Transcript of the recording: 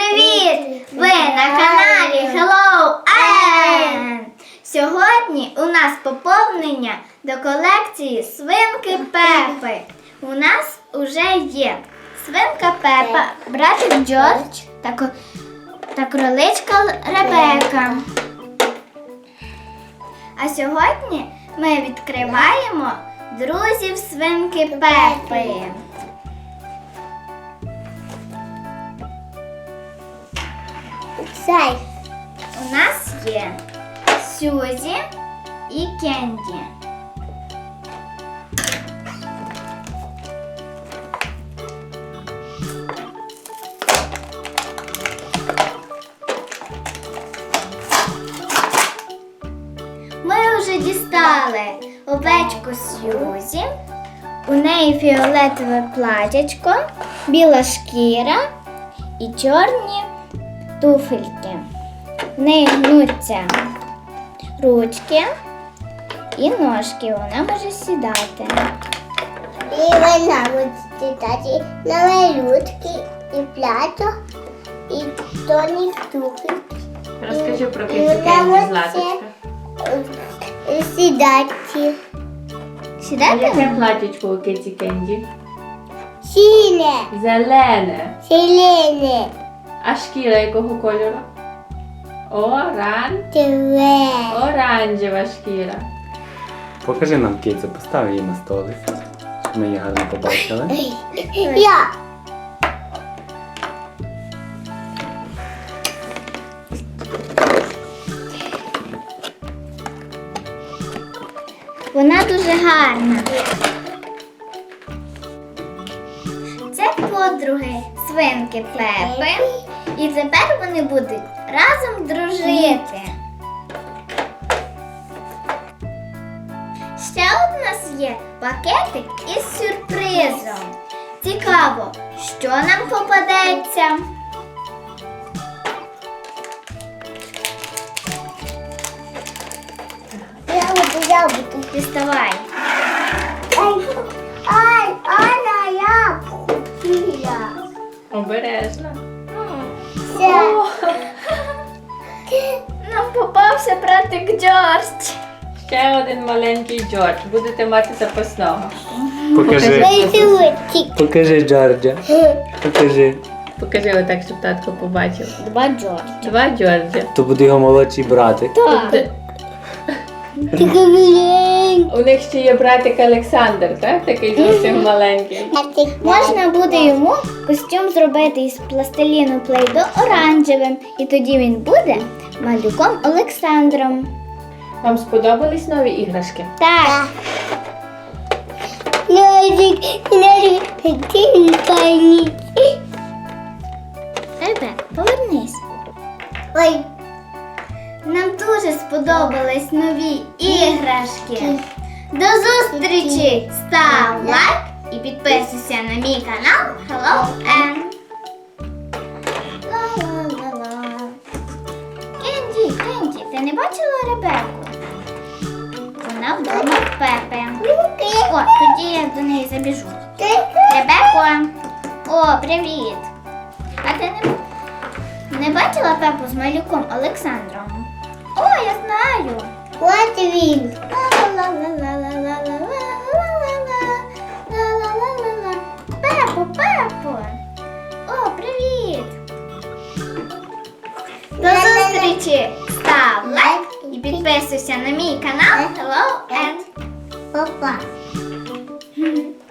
Привіт! Ви на каналі Hello Ann! Сьогодні у нас поповнення до колекції свинки Пепи. У нас уже є свинка Пепа, братик Джордж та кроличка Ребека. А сьогодні ми відкриваємо друзів свинки Пепи. У нас є Сюзі і Кенді. Ми вже дістали овечку Сюзі. У неї фіолетове платячко, біла шкіра і чорні туфельки. В неї гнуться ручки і ножки, вона може сідати. І вона буде сідати на малютки і платок, і тоні туфельки. Розкажи про кицю Златочка. Сідати. Сідати? Яке платічко у киці Кенді? Сіне. Зелене. Зелене. А шкіра якого кольору? Оранжева шкіра. Покажи нам кицю, постав її на столик, щоб ми її гарно побачили. Я. Вона дуже гарна. Це подруги свинки Пепи. І тепер вони будуть разом дружити. Ще у нас є пакетик із сюрпризом. Цікаво, що нам попадеться. Я буду. Діставай. Ай, я купила. Обережно. Це. Нам попався братик Джордж. Ще один маленький Джордж. Будете мати запасного. Покажи. Покажи Джорджа. Покажи. Покажи отак, щоб татко побачив. Два Джорджа. Два Джорджа. То буде його молодший братик. Так. У них ще є братик Олександр, так? Такий зовсім маленький. Можна буде йому костюм зробити із пластиліну Плей-До оранжевим, і тоді він буде малюком Олександром. Вам сподобались нові іграшки? Так, Ребек, повернись. Ой. Нам дуже сподобались нові іграшки. До зустрічі! Став лайк і підписуйся на мій канал Hello Ann. Ла-ла-ла-ла. Кенді, ти не бачила Ребеку? Вона вдома в Пепи. О, тоді я до неї забіжу. Ребеко! О, привіт! А ти не бачила Пепу з малюком Олександром? О, я знаю! От він. Ла-ла-ла-ла-ла-ла-ла-ла-ла-ла-ла. Пепо! О, привіт! До зустрічі! Став лайк і підписуйся на мій канал Hello Ann. Папа.